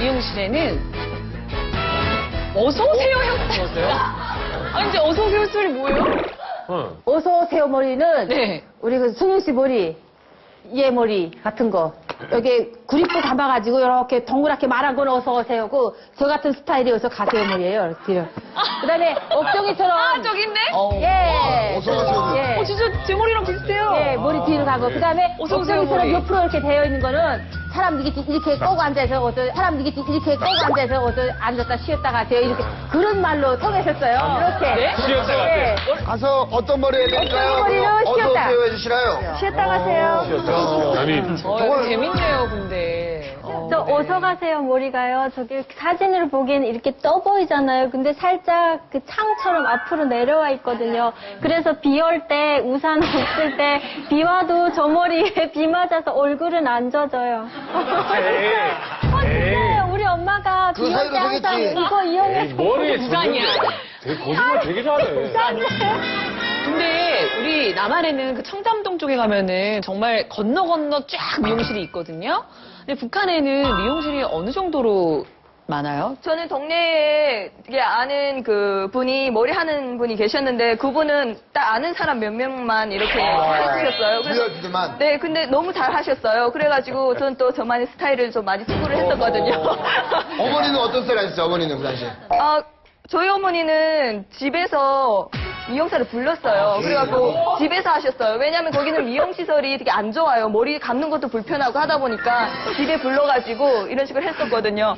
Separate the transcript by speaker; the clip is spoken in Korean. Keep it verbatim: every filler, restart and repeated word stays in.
Speaker 1: 미용실에는 어서오세요 형. 아니, 이제 어서오세요 소리 뭐예요?
Speaker 2: 응.
Speaker 3: 어서 오세요 머리는
Speaker 1: 네.
Speaker 3: 우리 그 승윤 씨 머리, 얘 머리 같은 거 여기 구립도 감아가지고 이렇게 동그랗게 말한 건 어서 오세요고 저 같은 스타일이 어서 가세요 머리예요. 이렇게. 그다음에 옥정이처럼
Speaker 1: 아, 저기 있네?
Speaker 3: 예.
Speaker 4: 어서 오세요.
Speaker 3: 예.
Speaker 1: 어, 진짜 제 머리랑 비슷해요.
Speaker 3: 예, 머리 뒤로 가고 그다음에
Speaker 1: 어서 오세요,
Speaker 3: 옥정이처럼
Speaker 1: 머리.
Speaker 3: 옆으로 이렇게 되어 있는 거는 사람들이 이렇게 꼬고 앉아서 어서 사람들이 이렇게 꼬고 앉아서 어서 앉았다 쉬었다 가세요. 이렇게 그런 말로 통했었어요. 이렇게.
Speaker 1: 네?
Speaker 2: 쉬었다 가세요.
Speaker 3: 예.
Speaker 4: 가서 어떤 머리 해드릴까요?
Speaker 3: 어떤 머리는
Speaker 4: 어서
Speaker 3: 쉬었다.
Speaker 4: 오세요 해주시나요?
Speaker 3: 쉬었다 가세요.
Speaker 2: 아니,
Speaker 1: 어,
Speaker 4: 저걸-
Speaker 1: 재밌네요, 근데. 어,
Speaker 5: 저
Speaker 1: 네.
Speaker 5: 어서 가세요 머리가요. 저기 사진으로 보기에는 이렇게 떠 보이잖아요. 근데 살짝 그 창처럼 앞으로 내려와 있거든요. 그래서 비 올 때 우산 없을 때 비 와도 저 머리에 비 맞아서 얼굴은 안 젖어요. 어, 진짜요. 우리 엄마가
Speaker 4: 그
Speaker 5: 비 올
Speaker 4: 사이로
Speaker 5: 때 항상
Speaker 4: 되겠지.
Speaker 5: 이거
Speaker 2: 에이,
Speaker 5: 이용해서
Speaker 2: 머리에
Speaker 1: 부산이야.
Speaker 2: 젖는데 되게 거짓말 되게 잘해.
Speaker 1: 근데 우리 남한에는 그 청담동 쪽에 가면은 정말 건너 건너 쫙 미용실이 있거든요. 근데 북한에는 미용실이 어느 정도로 많아요?
Speaker 6: 저는 동네에 되게 아는 그 분이 머리 하는 분이 계셨는데 그분은 딱 아는 사람 몇 명만 이렇게 해주셨어요. 그래서
Speaker 4: 브이아이피들만.
Speaker 6: 네, 근데 너무 잘 하셨어요. 그래가지고 저는 또 저만의 스타일을 좀 많이 추구를 했었거든요.
Speaker 4: 어머니는 어떤 스타일 하셨어요? 어머니는 그 당시에.
Speaker 6: 아, 저희 어머니는 집에서 미용사를 불렀어요. 그래갖고 집에서 하셨어요. 왜냐면 거기는 미용시설이 되게 안 좋아요. 머리 감는 것도 불편하고 하다 보니까 집에 불러가지고 이런 식으로 했었거든요.